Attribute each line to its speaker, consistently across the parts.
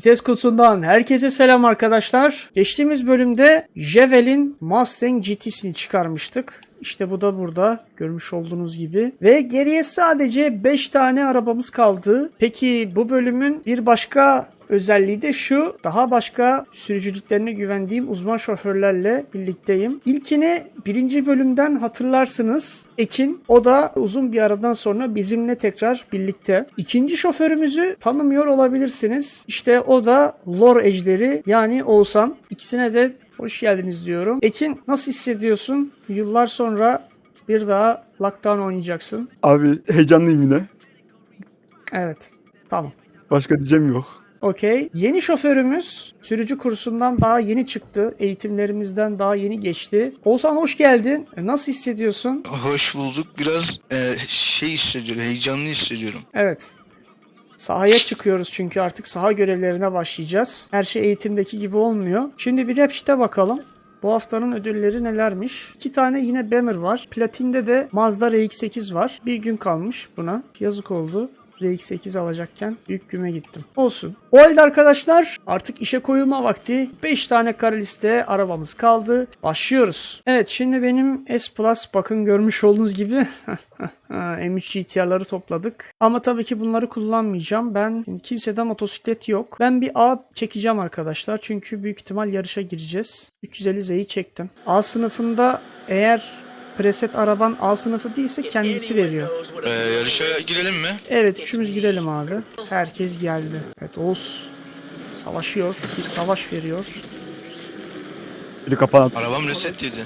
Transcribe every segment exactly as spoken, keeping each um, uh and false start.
Speaker 1: Vites kutusundan herkese selam arkadaşlar. Geçtiğimiz bölümde Javelin Mustang G T'sini çıkarmıştık. İşte bu da burada görmüş olduğunuz gibi. Ve geriye sadece beş tane arabamız kaldı. Peki bu bölümün bir başka özelliği de şu. Daha başka sürücülüklerine güvendiğim uzman şoförlerle birlikteyim. İlkini birinci bölümden hatırlarsınız. Ekin. O da uzun bir aradan sonra bizimle tekrar birlikte. İkinci şoförümüzü tanımıyor olabilirsiniz. İşte o da lore ejderi yani Oğuzhan. İkisine de hoş geldiniz diyorum. Ekin, nasıl hissediyorsun? Yıllar sonra bir daha Lockdown oynayacaksın.
Speaker 2: Abi heyecanlıyım yine.
Speaker 1: Evet. Tamam.
Speaker 2: Başka diyeceğim yok.
Speaker 1: Okey. Yeni şoförümüz sürücü kursundan daha yeni çıktı. Eğitimlerimizden daha yeni geçti. Oğuzhan hoş geldin. Nasıl hissediyorsun?
Speaker 3: Hoş bulduk. Biraz e, şey hissediyorum, heyecanlı hissediyorum.
Speaker 1: Evet. Sahaya çıkıyoruz çünkü artık saha görevlerine başlayacağız. Her şey eğitimdeki gibi olmuyor. Şimdi bir Rapşit'e bakalım. Bu haftanın ödülleri nelermiş? İki tane yine banner var. Platinde de Mazda R X sekiz var. Bir gün kalmış buna. Yazık oldu. R X sekiz alacakken büyük güme gittim. Olsun. O halde arkadaşlar artık işe koyulma vakti. beş tane kara liste arabamız kaldı. Başlıyoruz. Evet, şimdi benim S Plus, bakın görmüş olduğunuz gibi M üç G T R'ları topladık. Ama tabii ki bunları kullanmayacağım. Ben kimsede motosiklet yok. Ben bir A çekeceğim arkadaşlar. Çünkü büyük ihtimal yarışa gireceğiz. üç yüz elli Z'yi çektim. A sınıfında eğer preset araban A sınıfı değilse kendisi veriyor.
Speaker 3: E, yarışa girelim mi?
Speaker 1: Evet, üçümüz girelim abi. Herkes geldi. Evet, Oğuz savaşıyor. Bir savaş veriyor.
Speaker 2: Biri kapan.
Speaker 3: Arabam reset dedi.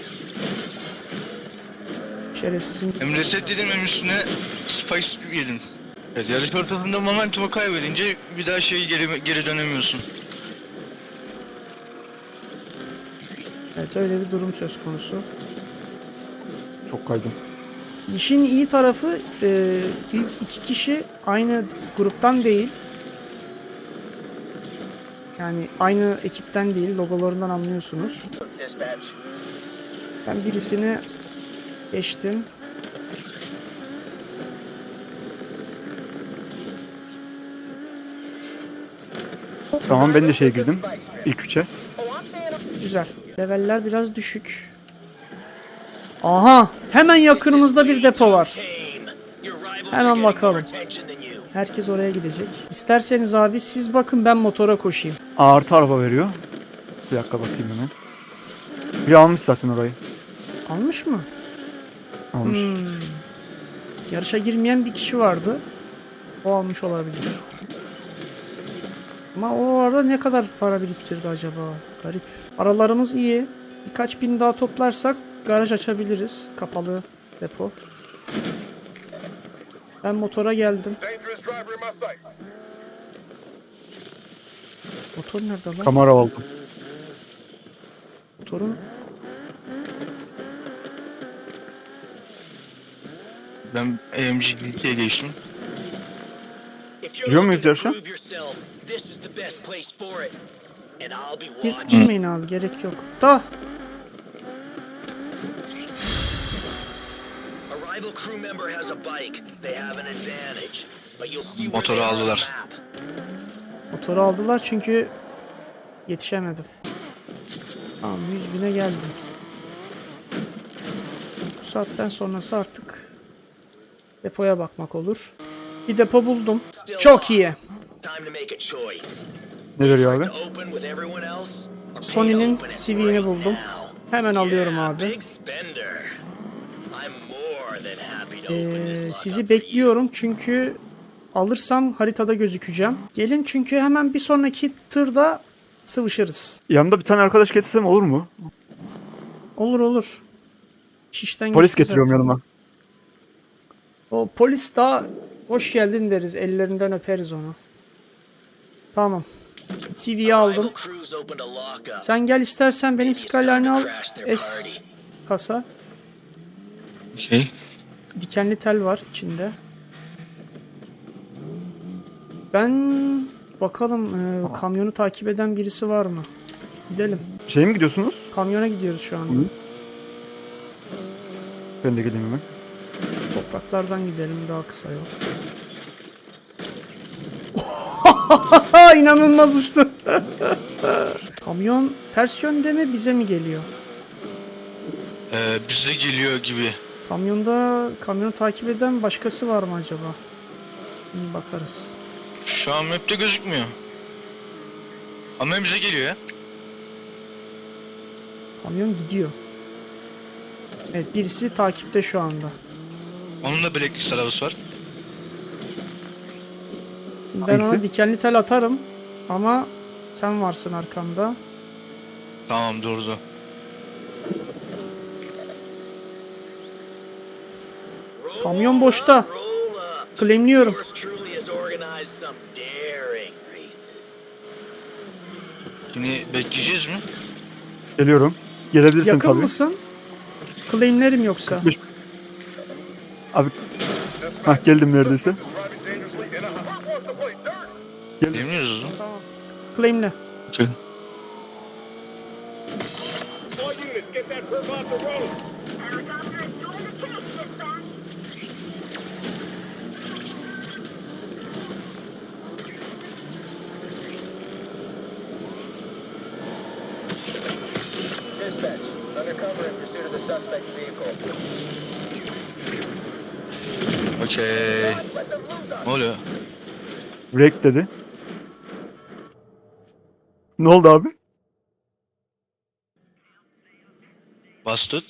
Speaker 1: Şerefsizim.
Speaker 3: Hem reset dedim hem üstüne Spice yedim. Evet, yarış ortasında momentumu kaybedince bir daha şey geri, geri dönemiyorsun.
Speaker 1: Evet, öyle bir durum söz konusu.
Speaker 2: Çok kaydım.
Speaker 1: İşin iyi tarafı e, ilk iki kişi aynı gruptan değil. Yani aynı ekipten değil. Logolarından anlıyorsunuz. Ben birisini geçtim.
Speaker 2: Tamam, ben de şeye girdim. İlk üçe.
Speaker 1: Güzel. Leveller biraz düşük. Aha! Hemen yakınımızda bir depo var. Hemen bakalım. Herkes oraya gidecek. İsterseniz abi siz bakın, ben motora koşayım.
Speaker 2: A artı araba veriyor. Bir dakika bakayım hemen. Biri almış zaten orayı.
Speaker 1: Almış mı?
Speaker 2: Almış.
Speaker 1: Hmm. Yarışa girmeyen bir kişi vardı. O almış olabilir. Ama o arada ne kadar para biriktirdi acaba? Garip. Aralarımız iyi. Birkaç bin daha toplarsak garaj açabiliriz. Kapalı depo. Ben motora geldim. Motor nerede lan?
Speaker 2: Kamera aldım.
Speaker 1: Motorun
Speaker 3: Ben A M G ikiye geçtim.
Speaker 2: Giriyor muyuz yarışa?
Speaker 1: Gir, girmeyin abi, gerek yok. Da
Speaker 3: Motoru aldılar.
Speaker 1: motoru aldılar çünkü yetişemedim. Tamam, yüz bine geldim. Bu saatten sonrası artık depoya bakmak olur. Bir depo buldum. Çok iyi.
Speaker 2: Ne veriyor abi?
Speaker 1: Sony'nin C V'ini buldum. Hemen alıyorum abi. Ee, sizi bekliyorum çünkü alırsam haritada gözükeceğim. Gelin çünkü hemen bir sonraki tırda sıvışırız.
Speaker 2: Yanımda bir tane arkadaş getirsem olur mu?
Speaker 1: Olur olur. Şişten
Speaker 2: Polis
Speaker 1: geçti
Speaker 2: getiriyorum
Speaker 1: zaten.
Speaker 2: yanıma.
Speaker 1: O polis daha hoş geldin deriz. Ellerinden öperiz onu. Tamam. T V'yi aldım. Sen gel istersen benim Skyline'ı al. S kasa.
Speaker 3: Okey.
Speaker 1: Dikenli tel var içinde. Ben bakalım e, kamyonu takip eden birisi var mı? Gidelim.
Speaker 2: Şeye mi gidiyorsunuz?
Speaker 1: Kamyona gidiyoruz şu anda.
Speaker 2: Hı. Ben de geleyim hemen.
Speaker 1: Topraklardan gidelim, daha kısa yol. İnanılmaz uçtu. Kamyon ters yönde mi bize mi geliyor?
Speaker 3: Ee, bize geliyor gibi.
Speaker 1: Kamyonda kamyonu takip eden başkası var mı acaba? Şimdi bakarız.
Speaker 3: Şu an map'te gözükmüyor. Ama bize geliyor ya.
Speaker 1: Kamyon gidiyor. Evet, birisi takipte şu anda.
Speaker 3: Onun da Black arabası var.
Speaker 1: Ben ona
Speaker 2: Hangisi?
Speaker 1: dikenli tel atarım ama sen varsın arkamda.
Speaker 3: Tamam, durdu.
Speaker 1: Kamyon boşta. Claimliyorum.
Speaker 3: Şimdi bekleyeceğiz mi?
Speaker 2: Geliyorum. Gelebilirsin
Speaker 1: Yakın
Speaker 2: tabii.
Speaker 1: mısın? Claimlerim yoksa.
Speaker 2: kırk beş. Abi. Hah, geldim neredeyse.
Speaker 3: Bilmiyoruz o zaman.
Speaker 1: Tamam. Claimle.
Speaker 3: Okey.
Speaker 4: Dispatch, undercover in pursuit of the suspect's vehicle.
Speaker 3: Okey. Ne oluyor?
Speaker 2: Break dedi. Ne oldu abi?
Speaker 3: Busted.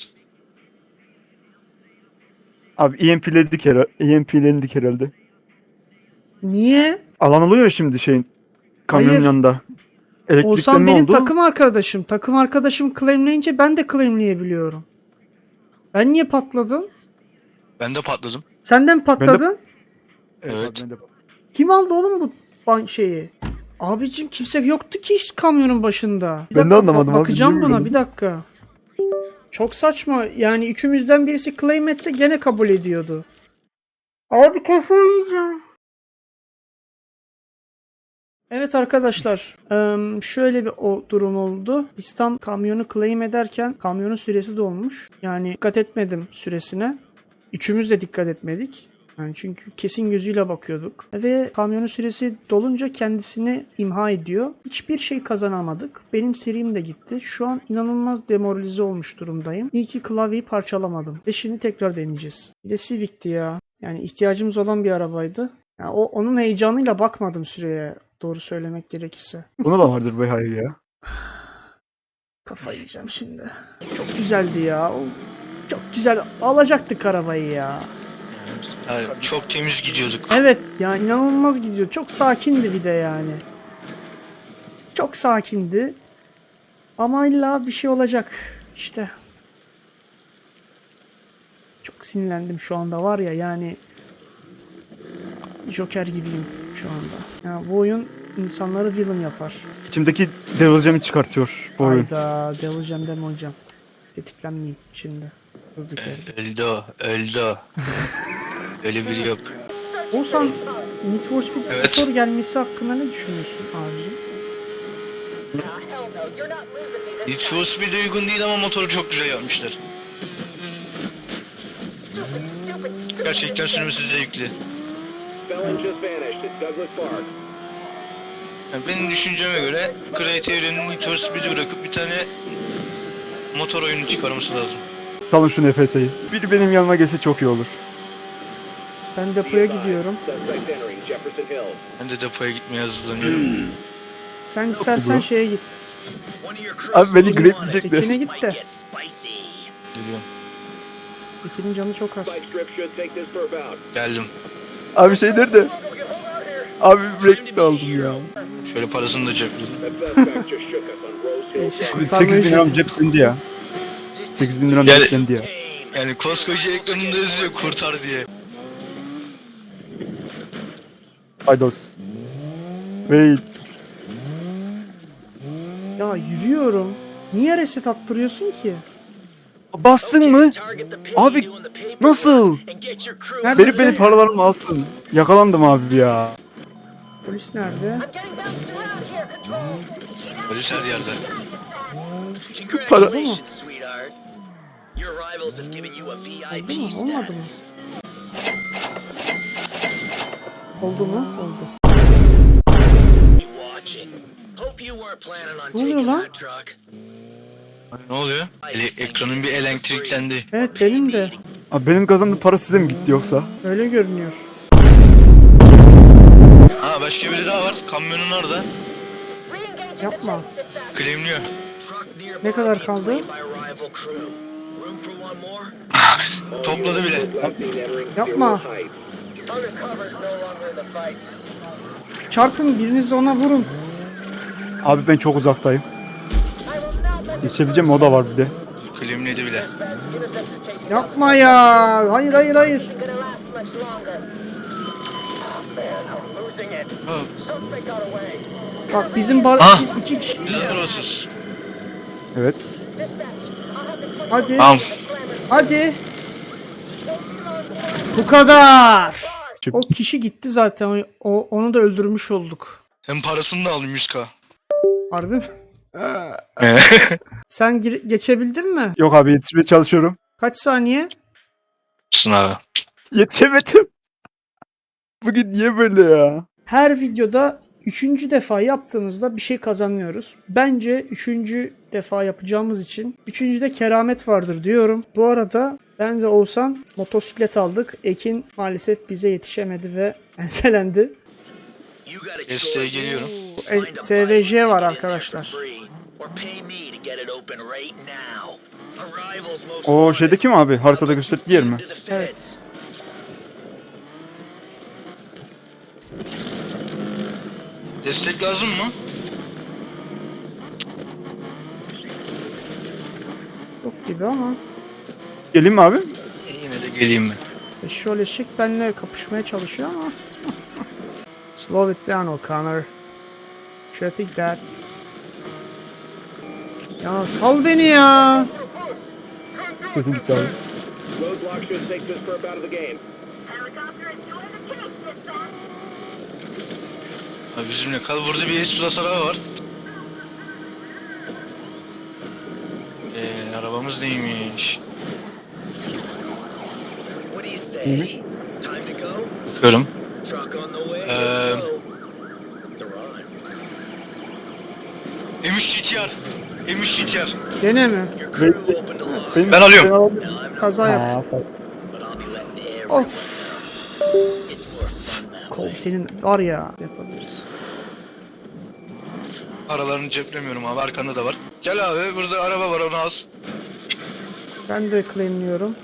Speaker 2: Abi E M P'ledik herhalde. E M P'lendik herhalde.
Speaker 1: Niye?
Speaker 2: Alan oluyor ya şimdi şeyin. Kamyonun
Speaker 1: Hayır.
Speaker 2: yanında. Elektrikten
Speaker 1: Oğuzhan
Speaker 2: ne
Speaker 1: benim
Speaker 2: oldu?
Speaker 1: takım arkadaşım. Takım arkadaşım claimleyince ben de claimleyebiliyorum. Ben niye patladım?
Speaker 3: Ben de patladım.
Speaker 1: Senden patladın.
Speaker 2: Evet.
Speaker 3: Evet.
Speaker 2: abi, ben de-
Speaker 1: Kim aldı oğlum bu ban- şeyi? Abicim kimse yoktu ki hiç kamyonun başında. Bir
Speaker 2: Ben de
Speaker 1: dakika,
Speaker 2: anlamadım
Speaker 1: bak-
Speaker 2: abi,
Speaker 1: Bakacağım
Speaker 2: niye
Speaker 1: buna
Speaker 2: böyle?
Speaker 1: bir dakika. Çok saçma. Yani üçümüzden birisi claim etse gene kabul ediyordu. Abi kafayı yiyeceğim. Evet arkadaşlar, eee, şöyle bir o durum oldu. Biz tam kamyonu claim ederken kamyonun süresi dolmuş. Yani dikkat etmedim süresine. Üçümüz de dikkat etmedik. Yani çünkü kesin gözüyle bakıyorduk. Ve kamyonun süresi dolunca kendisini imha ediyor. Hiçbir şey kazanamadık. Benim serim de gitti. Şu an inanılmaz demoralize olmuş durumdayım. İyi ki klavyeyi parçalamadım. Ve şimdi tekrar deneyeceğiz. Bir de Civic'ti ya. Yani ihtiyacımız olan bir arabaydı. Yani o onun heyecanıyla bakmadım süreye. Doğru söylemek gerekirse.
Speaker 2: Buna da vardır be hayır ya.
Speaker 1: Kafayı yiyeceğim şimdi. Çok güzeldi ya. O- Çok güzel. Alacaktık arabayı ya.
Speaker 3: Yani çok temiz gidiyorduk.
Speaker 1: Evet ya, inanılmaz gidiyor. Çok sakindi bir de yani. Çok sakindi. Ama illa bir şey olacak. İşte. Çok sinirlendim şu anda var ya, yani Joker gibiyim şu anda. Ya bu oyun insanları villain yapar.
Speaker 2: İçimdeki Devil Gem'i çıkartıyor bu oyun.
Speaker 1: Hayda, delireceğim deme hocam. Tetiklenmeyeyim şimdi. Durduk yerde.
Speaker 3: Öldü o. Öldü o. Öyle biri yok.
Speaker 1: Oğuzhan, Need for Speed
Speaker 3: Evet.
Speaker 1: motor gelmesi hakkında ne düşünüyorsun abicim?
Speaker 4: Ah, hell no, you're not losing me
Speaker 3: Need
Speaker 4: this
Speaker 3: for Speed'e uygun değil ama motoru çok güzel yapmışlar.
Speaker 4: stupid, stupid, stupid.
Speaker 3: Gerçekten sürmesi zevkli.
Speaker 5: Felon just vanished at Douglas Park.
Speaker 3: Yani benim düşünceme göre Creative'nin Need for Speed'i bırakıp bir tane motor oyunu çıkarması lazım.
Speaker 2: Salın şu nefeseyi. Biri benim yanıma gelse çok iyi olur.
Speaker 1: Ben depoya gidiyorum.
Speaker 5: Suspect entering Jefferson Hills.
Speaker 3: Ben de depoya gitmeye hazırlanıyorum.
Speaker 1: Sen istersen
Speaker 2: bu.
Speaker 1: şeye git.
Speaker 2: Abi beni grepleyecekler.
Speaker 1: Tekine git de.
Speaker 3: Geliyorum.
Speaker 1: Tekinin canı çok az.
Speaker 5: Spike strip should take this perp out.
Speaker 3: Geldim.
Speaker 2: Abi şey nerede? Abi break de aldım ya.
Speaker 3: Şöyle parasını da cepledim.
Speaker 5: That suspect just shook us on Rose Hill
Speaker 1: Eşek.
Speaker 5: Drive.
Speaker 2: sekiz bin liram ceplendi ya. sekiz bin liram
Speaker 3: Yani-
Speaker 2: ceplendi ya.
Speaker 3: Yani koskoca ekranında yazıyor kurtar diye.
Speaker 2: Haydos. Wait.
Speaker 1: Ya yürüyorum. Niye reset attırıyorsun ki?
Speaker 2: Bastın mı? Abi nasıl?
Speaker 1: Nerede?
Speaker 2: Beni beni paralarımı alsın. Yakalandım abi ya.
Speaker 1: Polis nerede?
Speaker 4: Getting bounced around here, control.
Speaker 3: Polis her yerde.
Speaker 2: Para.
Speaker 6: Congratulations, sweetheart. Your rivals have given you a V I
Speaker 1: Oldu
Speaker 6: P
Speaker 1: mu? Olmadı mı?
Speaker 6: status.
Speaker 1: Oldu mu? Oldu.
Speaker 6: You watch watching. Hope you weren't planning on
Speaker 1: Ne oluyor
Speaker 6: taking
Speaker 1: lan?
Speaker 6: that truck.
Speaker 3: Ne oluyor? Ele- ekranın bir elektriklendi.
Speaker 1: Evet benim de.
Speaker 2: Abi benim kazandığım para size mi gitti yoksa?
Speaker 1: Öyle görünüyor.
Speaker 3: Ha başka biri daha var. Kamyonun orada.
Speaker 4: Re-engaging the
Speaker 1: Yapma.
Speaker 4: chase dispatch.
Speaker 3: Claimliyor.
Speaker 6: Truck nearby
Speaker 1: Ne kadar
Speaker 6: being
Speaker 1: kaldı?
Speaker 6: claimed by rival crew. Room for one more?
Speaker 3: Topladı bile.
Speaker 5: Last seen entering
Speaker 1: Yapma.
Speaker 5: Zero Heights.
Speaker 6: Undercover's no longer in the fight.
Speaker 1: Çarpın biriniz ona vurun.
Speaker 2: Abi ben çok uzaktayım.
Speaker 4: I will not let this
Speaker 2: Yetişebileceğim o da var bir de.
Speaker 3: Claimledi bile.
Speaker 1: Yapma ya. Hayır hayır hayır.
Speaker 4: be gonna last much longer.
Speaker 3: Ha,
Speaker 1: Bak bizim bar
Speaker 3: Ah!
Speaker 1: biz iki kişi.
Speaker 3: biz arabasız.
Speaker 2: Evet.
Speaker 4: Dispatch. I'll have this
Speaker 1: Hadi.
Speaker 3: Tamam.
Speaker 1: Hadi. Bu kadar. O kişi gitti zaten. O, onu da öldürmüş olduk.
Speaker 3: Hem parasını da aldım yüz bin.
Speaker 1: Harbi mi? Sen gir- geçebildin mi?
Speaker 2: Yok abi yetişmeye çalışıyorum.
Speaker 1: Kaç saniye?
Speaker 3: Sınav.
Speaker 2: Yetişemedim. Bugün niye böyle ya?
Speaker 1: Her videoda üçüncü defa yaptığımızda bir şey kazanıyoruz. Bence üçüncü defa yapacağımız için üçüncüde keramet vardır diyorum. Bu arada ben ve Oğuzhan motosiklet aldık. Ekin maalesef bize yetişemedi ve enselendi.
Speaker 6: You gotta
Speaker 3: Desteğe
Speaker 6: choose.
Speaker 3: geliyorum.
Speaker 1: E,
Speaker 6: Find a
Speaker 1: S V
Speaker 6: bike
Speaker 1: J
Speaker 6: and
Speaker 1: var
Speaker 6: get in there
Speaker 1: arkadaşlar.
Speaker 6: for free, or pay me to get it open right now. Arrival's most
Speaker 2: O
Speaker 6: wanted.
Speaker 2: şeydeki mi abi? Haritada gösterdiği yer mi?
Speaker 6: To the feds.
Speaker 1: Evet.
Speaker 3: Destek lazım mı?
Speaker 1: Yok gibi ama.
Speaker 2: Geleyim mi abi?
Speaker 3: E, yine de geleyim mi?
Speaker 1: E, şöyle şık benimle kapışmaya çalışıyor ama. Slow it down O'Connor. Should I think that? Ya sal beni ya.
Speaker 2: Sesin gitti abi.
Speaker 5: Roadblock should take this perp out of the game.
Speaker 3: Ha, bizimle kal. Burada bir S Plus araba var. Eee arabamız neymiş?
Speaker 6: What do you say?
Speaker 2: Neymiş?
Speaker 6: Time to go?
Speaker 3: Bakıyorum.
Speaker 6: Truck on the way.
Speaker 3: Um,
Speaker 6: so it's a run.
Speaker 3: M üç G T R. M üç G T R.
Speaker 1: Gene mi?
Speaker 6: Your crew opened a lock.
Speaker 2: Benim-
Speaker 3: Ben alıyorum.
Speaker 6: Now I'm not,
Speaker 1: Kaza yaptım.
Speaker 6: but I'll be letting everyone.
Speaker 1: Of.
Speaker 6: It's more fun that
Speaker 1: Kol
Speaker 6: way.
Speaker 1: senin var ya. Yapabiliriz.
Speaker 3: Aralarını ceplemiyorum abi. Arkanda da var. Gel abi. Burada araba var. Onu az.
Speaker 1: Ben de claimliyorum.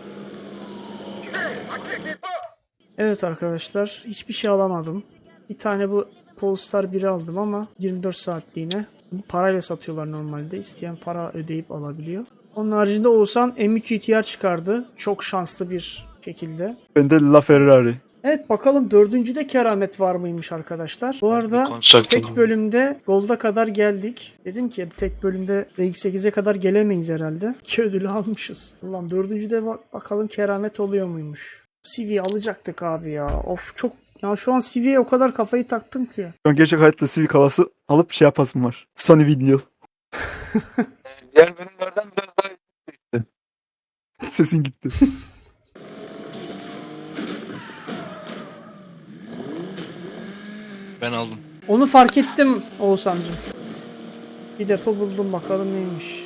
Speaker 1: Evet arkadaşlar. Hiçbir şey alamadım. Bir tane bu Polestar biri aldım ama yirmi dört saatliğine. Bunu parayla satıyorlar normalde. İsteyen para ödeyip alabiliyor. Onun haricinde Oğuzhan M üç G T R çıkardı. Çok şanslı bir şekilde.
Speaker 2: Ben de La Ferrari.
Speaker 1: Evet bakalım dördüncüde keramet var mıymış arkadaşlar. Bu arada
Speaker 3: Konuşacaktım.
Speaker 1: tek bölümde Gold'a kadar geldik. Dedim ki tek bölümde R X sekize kadar gelemeyiz herhalde. İki ödülü almışız. Ulan dördüncüde bak bakalım keramet oluyor muymuş. C V alacaktık abi ya. Of çok ya şu an C V'ye o kadar kafayı taktım ki.
Speaker 2: Şu an gerçek hayatta Civic havası alıp şey yapasım var. Sony Video.
Speaker 3: Diğer bölümlerden biraz daha
Speaker 2: Sesin gitti.
Speaker 3: ben aldım.
Speaker 1: Onu fark ettim Oğuzhan'cığım. Bir depo buldum bakalım neymiş.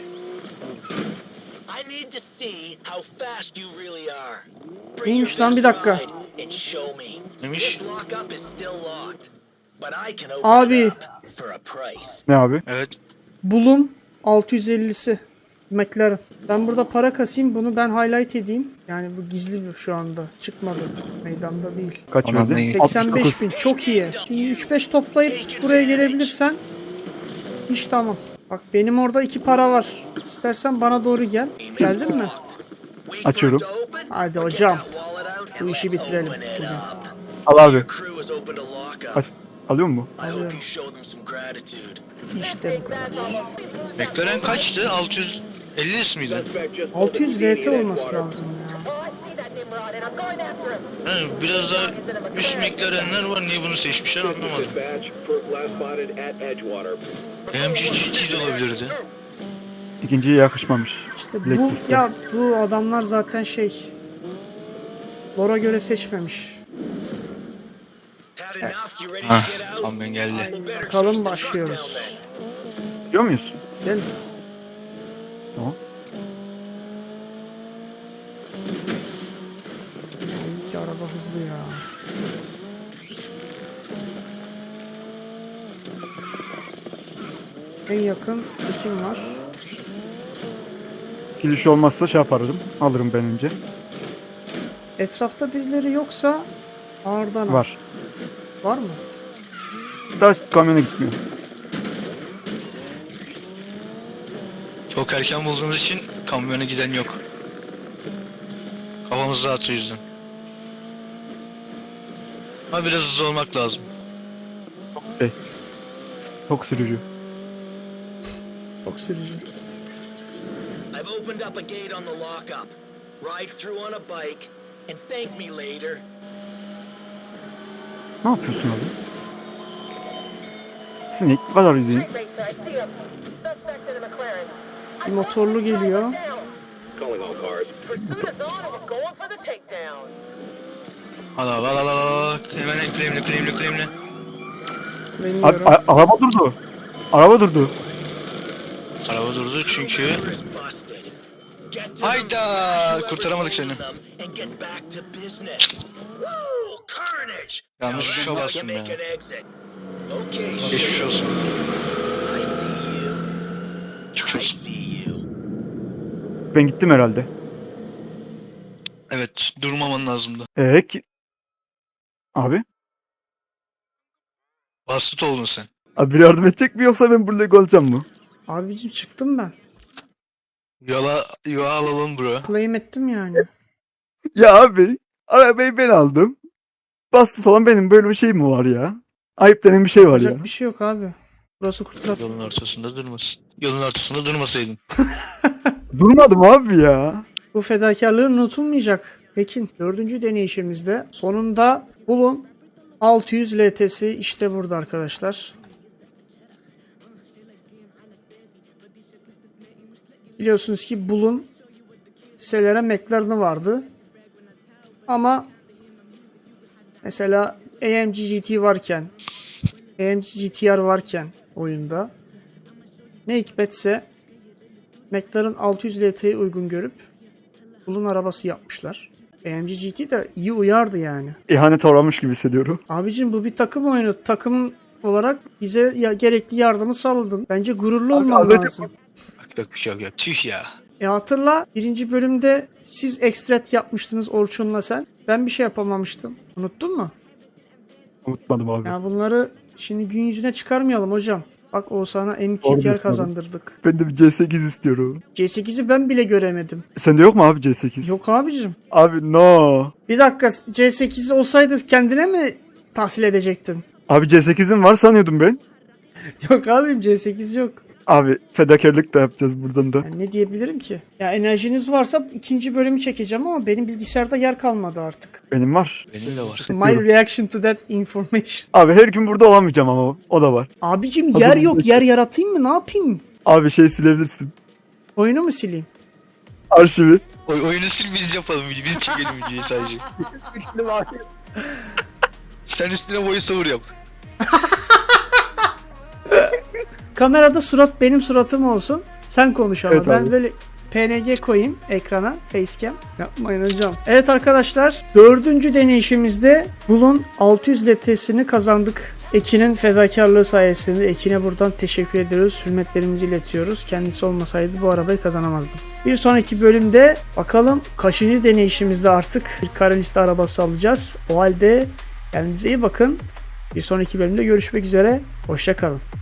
Speaker 6: I need to see how fast you really are. Bring
Speaker 1: Neymiş
Speaker 6: your
Speaker 1: lan, bir
Speaker 6: best
Speaker 1: dakika.
Speaker 6: ride and show me.
Speaker 3: Neymiş?
Speaker 6: This lockup is still locked, but I can open
Speaker 1: Abi.
Speaker 6: it up for a price.
Speaker 2: Ne abi?
Speaker 3: Evet.
Speaker 1: Bulum altı yüz ellisi McLaren. Ben burada para kasayım bunu ben highlight edeyim. Yani bu gizli bir şu anda. Çıkmadı. Meydanda değil.
Speaker 2: Kaç
Speaker 3: Aman
Speaker 2: verdin?
Speaker 3: neyim?
Speaker 1: seksen beş
Speaker 2: altmış
Speaker 1: bin
Speaker 2: dokuz.
Speaker 1: çok iyi. Şimdi üç beş toplayıp buraya gelebilirsen iş tamam. Bak benim orada iki para var. İstersen bana doğru gel. Geldin mi?
Speaker 6: Wait
Speaker 2: Açıyorum.
Speaker 6: for it to open,
Speaker 1: Hadi
Speaker 6: or get
Speaker 1: hocam.
Speaker 6: that wallet out
Speaker 1: Bu
Speaker 6: and
Speaker 1: işi
Speaker 6: let's
Speaker 1: bitirelim
Speaker 6: open it
Speaker 1: bugün.
Speaker 6: up.
Speaker 2: Al abi.
Speaker 6: Crew has opened a lockup.
Speaker 2: Aç, alıyor mu?
Speaker 6: I hope
Speaker 1: Alıyorum.
Speaker 6: you show them some gratitude.
Speaker 1: İşte bu kadar.
Speaker 4: That's almost. Please lose that
Speaker 3: McLaren
Speaker 4: weight.
Speaker 3: kaçtı? altı yüz elli mi miydi?
Speaker 5: Suspect just pulled
Speaker 1: altı yüz
Speaker 5: up speeding
Speaker 1: V T
Speaker 5: in
Speaker 1: olması
Speaker 5: Edgewater.
Speaker 1: lazım ya.
Speaker 4: Oh, I see that Nimrod and I'm going after him.
Speaker 3: Ha, biraz daha üst McLaren'ler var. Niye bunu seçmişler
Speaker 5: Business
Speaker 3: anlamadım.
Speaker 5: dispatch, perp last spotted at Edgewater.
Speaker 3: M G T de olabilirdi.
Speaker 2: İkinciye yakışmamış.
Speaker 1: İşte bu
Speaker 2: Blacklist'te.
Speaker 1: ya bu adamlar zaten şey Lora göre seçmemiş.
Speaker 6: Had enough? You ready
Speaker 3: Ah.
Speaker 6: to get out?
Speaker 3: Kamyon geldi.
Speaker 6: We'll better
Speaker 1: Bakalım
Speaker 6: chase the truck
Speaker 1: başlıyoruz.
Speaker 6: down then.
Speaker 2: Gidiyor muyuz?
Speaker 1: Gel.
Speaker 2: Tamam.
Speaker 1: İyi ki araba hızlı ya. En yakın kim var?
Speaker 2: Giriş olmazsa şey yaparım. Alırım ben önce.
Speaker 1: Etrafta birileri yoksa ağırdan al.
Speaker 2: Var.
Speaker 1: Var mı?
Speaker 2: Daha kamyona gitmiyor.
Speaker 3: Çok erken bulduğumuz için kamyona giden yok. Kafamız rahat o yüzden. Ama biraz hızlı olmak lazım.
Speaker 2: Şey. Çok sürücü.
Speaker 1: Çok sürücü.
Speaker 6: I've opened up a gate on the lockup. Ride through on a bike and thank me later.
Speaker 2: Ne yapıyorsun abi? Snake, what are you doing?
Speaker 4: Street racer, I see him. Suspect in a McLaren.
Speaker 1: Bir motorlu geliyor.
Speaker 5: Calling all cars.
Speaker 4: Pursuit is on and we're going for the takedown.
Speaker 3: Al al al al al. Hemen claimle claimle claimle.
Speaker 2: Abi,
Speaker 1: Bilmiyorum.
Speaker 2: a- araba durdu. Araba durdu.
Speaker 3: Araba durdu çünkü.
Speaker 6: Is busted. Get to them,
Speaker 3: Hayda,
Speaker 6: smash whoever's
Speaker 3: kurtaramadık
Speaker 6: holding
Speaker 3: seni.
Speaker 6: them, and get back to business. Woo, carnage!
Speaker 3: Yanlış
Speaker 6: Now
Speaker 3: tuşa
Speaker 6: then,
Speaker 3: bastım
Speaker 6: you
Speaker 3: ya.
Speaker 6: make an exit. Okay,
Speaker 3: Geçmiş
Speaker 6: shit.
Speaker 3: olsun.
Speaker 6: I see you.
Speaker 3: Geçmiş
Speaker 6: I
Speaker 3: olsun.
Speaker 6: see you.
Speaker 2: Ben gittim herhalde.
Speaker 3: Evet, durmaman lazımdı.
Speaker 2: Eee ki... Abi?
Speaker 3: Bastut oldun sen.
Speaker 2: Abi biri yardım edecek mi yoksa ben burada olacağım mı?
Speaker 1: Abicim çıktım ben.
Speaker 3: Yola, yola alalım bro.
Speaker 1: Claim ettim yani.
Speaker 2: Ya abi, arabayı ben aldım. Bastı olan benim, böyle bir şey mi var ya? Ayıp denen bir şey var ya.
Speaker 1: Yapacak bir şey yok abi. Burası kurtlar.
Speaker 3: Yolun ortasında durmasın. Yolun ortasında durmasaydın.
Speaker 2: Durmadım abi ya.
Speaker 1: Bu fedakarlığın unutulmayacak. Pekin dördüncü deneyişimizde sonunda Bulun altı yüz L T'si işte burada arkadaşlar. Biliyorsunuz ki Bulun Celera McLaren'ı vardı. Ama mesela A M G G T varken, A M G G T R varken oyunda ne hikmetse McLaren altı yüz L T'yi uygun görüp Bulun arabası yapmışlar. A M G G T de iyi uyardı yani.
Speaker 2: İhanet uğramış gibi hissediyorum.
Speaker 1: Abicim bu bir takım oyunu. Takım olarak bize ya, gerekli yardımı sağladın. Bence gururlu
Speaker 2: Abi
Speaker 1: olman
Speaker 2: az önce-
Speaker 1: lazım.
Speaker 3: Yok bir şey yok ya. Tüh ya.
Speaker 1: E hatırla birinci bölümde siz ekstret yapmıştınız Orçun'la sen. Ben bir şey yapamamıştım. Unuttun mu?
Speaker 2: Unutmadım abi.
Speaker 1: Ya bunları şimdi gün yüzüne çıkarmayalım hocam. Bak Oğuzhan'a M
Speaker 2: Doğru
Speaker 1: iki T R
Speaker 2: diyorsun
Speaker 1: kazandırdık.
Speaker 2: Ben de bir C sekiz istiyorum.
Speaker 1: C sekizi ben bile göremedim.
Speaker 2: Sende yok mu abi C sekiz?
Speaker 1: Yok abicim.
Speaker 2: Abi no.
Speaker 1: Bir dakika C sekiz olsaydı kendine mi tahsil edecektin?
Speaker 2: Abi C sekizin var sanıyordum ben.
Speaker 1: Yok abim C sekiz yok.
Speaker 2: Abi fedakarlık da yapacağız buradan da.
Speaker 1: Yani ne diyebilirim ki? Ya enerjiniz varsa ikinci bölümü çekeceğim ama benim bilgisayarda yer kalmadı artık.
Speaker 2: Benim var.
Speaker 3: Benim de var.
Speaker 1: My reaction to that information.
Speaker 2: Abi her gün burada olamayacağım ama o, o da var.
Speaker 1: Abicim
Speaker 2: Hazır
Speaker 1: yer
Speaker 2: mısın?
Speaker 1: yok. Yer yaratayım mı? Ne yapayım?
Speaker 2: Abi şey silebilirsin.
Speaker 1: Oyunu mu sileyim?
Speaker 2: Arşivi.
Speaker 3: Oy, oyunu sil biz yapalım. Biz çekelim videoyu sadece. Sen üstüne voiceover yap.
Speaker 1: Kamerada surat benim suratım olsun. Sen konuş ama
Speaker 2: Evet
Speaker 1: ben
Speaker 2: abi.
Speaker 1: böyle P N G koyayım ekrana. Facecam. Yapmayın hocam. Evet arkadaşlar. Dördüncü deneyişimizde Bulun altı yüz L T'sini kazandık. Ekin'in fedakarlığı sayesinde Ekin'e buradan teşekkür ediyoruz. Hürmetlerimizi iletiyoruz. Kendisi olmasaydı bu arabayı kazanamazdım. Bir sonraki bölümde bakalım kaçıncı deneyişimizde artık bir kara liste arabası alacağız. O halde kendinize iyi bakın. Bir sonraki bölümde görüşmek üzere. Hoşça kalın.